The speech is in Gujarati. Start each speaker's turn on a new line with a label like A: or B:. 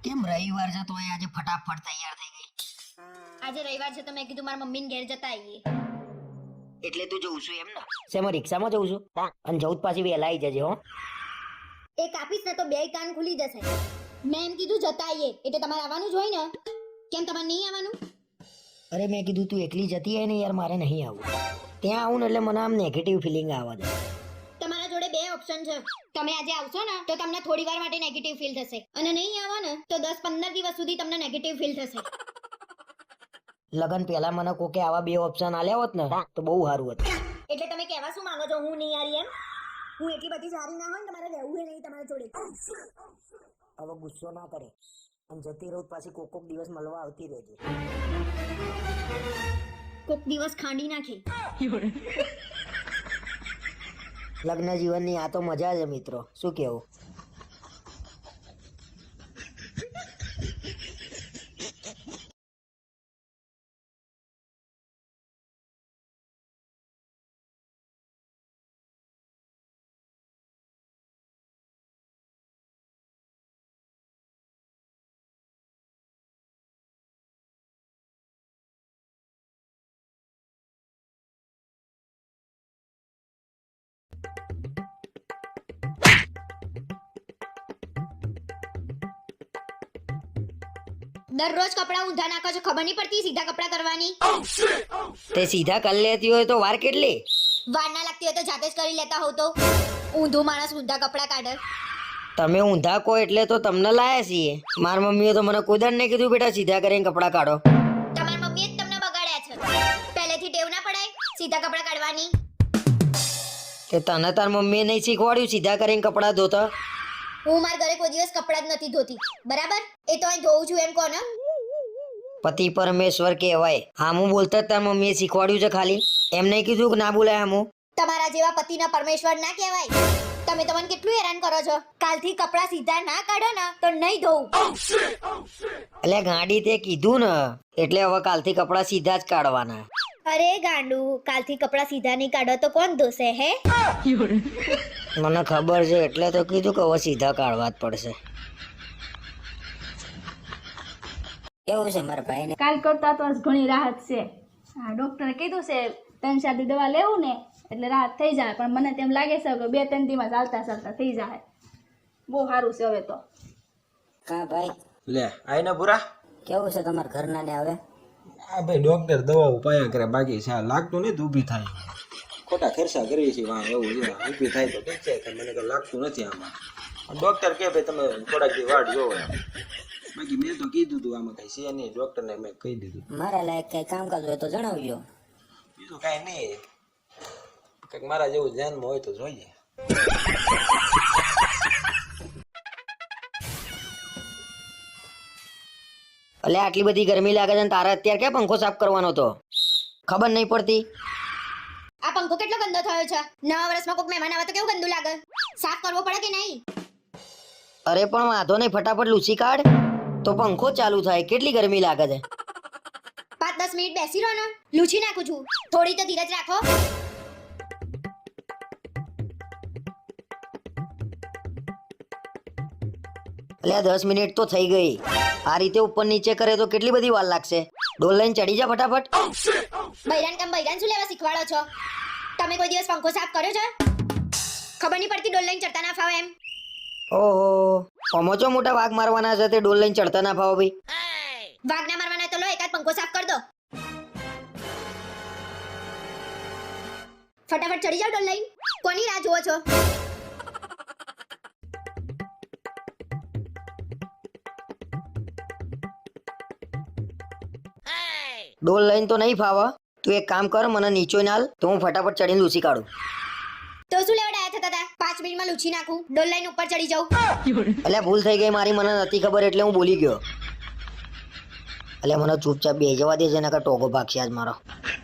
A: કેમ રવિવાર છે તોય આજે ફટાફટ તૈયાર થઈ ગઈ?
B: આજે રવિવાર છે તો મેં કીધું મારા મમ્મીને ઘેર જતા આવીએ.
A: એટલે તું જઉં છું એમ ને? શેમાં રિક્ષામાં જઉં છું? અને જઉં પાછી વહેલા આવી જજે હો.
B: એ કાપીશ ને તો બે કાન ખુલી જશે. મેં એમ કીધું જતા આવીએ એટલે તમારે આવવાનું જ હોય ને. કેમ તમારે નહીં આવવાનું?
A: અરે મેં કીધું તું એકલી જતી હોય ને યાર, મારે નહીં આવવું. ત્યાં આવું ને એટલે મને આમ નેગેટિવ ફિલિંગ આવે છે.
B: તમારા જોડે બે ઓપ્શન છે. તમે આજે આવશો ને તો તમને થોડી વાર માટે નેગેટિવ ફીલ થશે અને નહીં આવો ને તો 10-15 દિવસ સુધી તમને નેગેટિવ ફીલ થશે.
A: લગન પહેલા મને કોકે આવા બે ઓપ્શન આલ્યા હોત ને તો બહુ સારું હતું.
B: એટલે તમે કહેવા શું માંગો છો? હું નહીં આરી એમ? હું એટલી બધી સારી ના હોય ને તમારે રહેવું નહીં તમારા જોડે.
A: હવે ગુસ્સો ના કરે અને જતી રહું પાછી કોક દિવસ મળવા આવતી રહેજે.
B: કોક દિવસ ખાંડી નાખે.
A: લગ્ન જીવનની આ તો મજા છે મિત્રો, શું કેવું?
B: દરરોજ કપડાં ઊંધા નાખો છો, ખબર નહીં પડતી સીધા કપડાં કરવાની?
A: તે સીધા કરી લેતી હોય તો વાર કેટલી?
B: વાર ના લાગતી હોય તો જાતે જ કરી લેતા હોવ તો. ઊંધું માણસ ઊંધા કપડાં કાઢે.
A: તમે ઊંધા કહો એટલે તો તમને લાયા છીએ. મારી મમ્મીએ તો મને કોઈ દાડ નહીં કીધું બેટા સીધા કરીને કપડાં કાઢો.
B: તમારી મમ્મીએ જ તમને બગાડ્યા છે. પહેલેથી ટેવ ના પડાય સીધા કપડાં કાઢવાની?
A: તે તને તાર મમ્મીએ નહીં શીખવાડ્યું સીધા કરીને કપડાં ધોતા?
B: હું મારા ઘરે કોઈ દિવસ કપડાં જ નથી ધોતી, બરાબર? એ તો અહીં ધોઉં છું એમ કહો ને.
A: પતિ પરમેશ્વર કહેવાય. હામું બોલતા જ તાર મમ્મીએ શીખવાડ્યું છે ખાલી, એમ નહીં કીધું કે ના બોલાય હામું?
B: તમારા જેવા પતિના પરમેશ્વર ના કહેવાય. તમે તો મને કેટલું હેરાન કરો છો. કાલથી કપડાં સીધા ના કાઢો ને તો નહીં ધોઉં.
A: એટલે ગાડી તે કીધું ને એટલે હવે કાલથી કપડાં સીધા જ કાઢવાના.
B: અરે ગાંડુ, કાલથી કપડાં સીધા નહીં કાઢો તો કોણ ધોશે હે?
A: મને ખબર છે એટલે તો કીધું કે હવે સીધા કાઢવા જ પડશે. કેવું છે મારા ભાઈને?
C: કાલ કરતા તો આજ ઘણી રાહત છે. હા, ડોક્ટરે કીધું છે 3-4 દવા લેવું ને એટલે રાહત થઈ જાય, પણ મને તેમ લાગે છે કે 2-3 દીમાં ચાલતા થઈ જાય. બહુ સારું છે હવે તો.
A: કા ભાઈ
D: લે આઈને પૂરા
A: કેવું છે તમારા ઘરના ને હવે?
D: આ ભાઈ ડોક્ટર દવાઓ પાયા કરે, બાકી છે લાગતું નહીં તો ઊભી થાય. ખોટા ખર્ચા કરીએ છીએ વાં એવું છે. ઊભી થાય તો ઠીક છે, મને કંઈ લાગતું નથી આમાં. ડોક્ટર કહે ભાઈ તમે થોડાક દી વાટ જોવો એમ. બાકી મેં તો કીધું હતું આમાં કઈ છે નહીં, ડોક્ટરને મેં કહી દીધું.
A: મારા લાયક કઈ કામકાજ હોય તો જણાવજો.
D: બીજું કાંઈ નહીં, કંઈક મારા જેવું ધ્યાનમાં હોય તો જોઈએ.
A: એટલે આટલી બધી ગરમી લાગે છે ને તારે અત્યારે ક્યાં પંખો સાફ કરવાનો હતો? ખબર નહીં પડતી?
B: આ પંખો કેટલો ગંદો થયો છે. નવા વર્ષમાં કોઈક મહેમાન આવે તો કેવું ગંદુ લાગે. સાફ કરવો પડે કે નહીં?
A: અરે પણ વાંધો નહીં, ફટાફટ લૂછી કાઢ તો પંખો ચાલુ થાય. કેટલી ગરમી લાગે છે.
B: 5-10 મિનિટ બેસી રહો ને, લૂછી નાખું છું. થોડી તો ધીરજ રાખો.
A: એટલે 10 મિનિટ તો થઈ ગઈ. આ રીતે ઉપર નીચે કરે તો કેટલી બધી વાર લાગશે. ડોલ લઈને ચડી જા ફટાફટ.
B: બૈરાન શું લેવા શીખવાડો છો? તમે કોઈ દિવસ પંખો સાફ કર્યો છે? ખબર નહીં પડતી ડોલ લઈને ચડતા ના ફાવે એમ?
A: ઓહો, પમોચો મોટા વાઘ મારવાના છે તે ડોલ લઈને ચડતા ના ફાવો ભાઈ.
B: વાઘ ના મારવાના તો લો એકાદ પંખો સાફ કર દો. ફટાફટ ચડી જાઓ ડોલ લઈને. કોની રાહ જુઓ છો?
A: ડોલ લઈને તો નહીં ફાવા. તું એક કામ કર, મને નીચો નાલ તો હું ફટાફટ ચડીને લૂસી કાઢું.
B: તો શું લેવડાયા થતા હતા? 5 મિનિટમાં લૂછી નાખું, ડોલ લઈને ઉપર ચડી જાઉં.
A: એટલે ભૂલ થઈ ગઈ મારી, મને નથી ખબર એટલે હું બોલી ગયો. એટલે મને ચૂપચાપ બે જવા દેજે નકર ટોગો ભાગશે આજ મારો.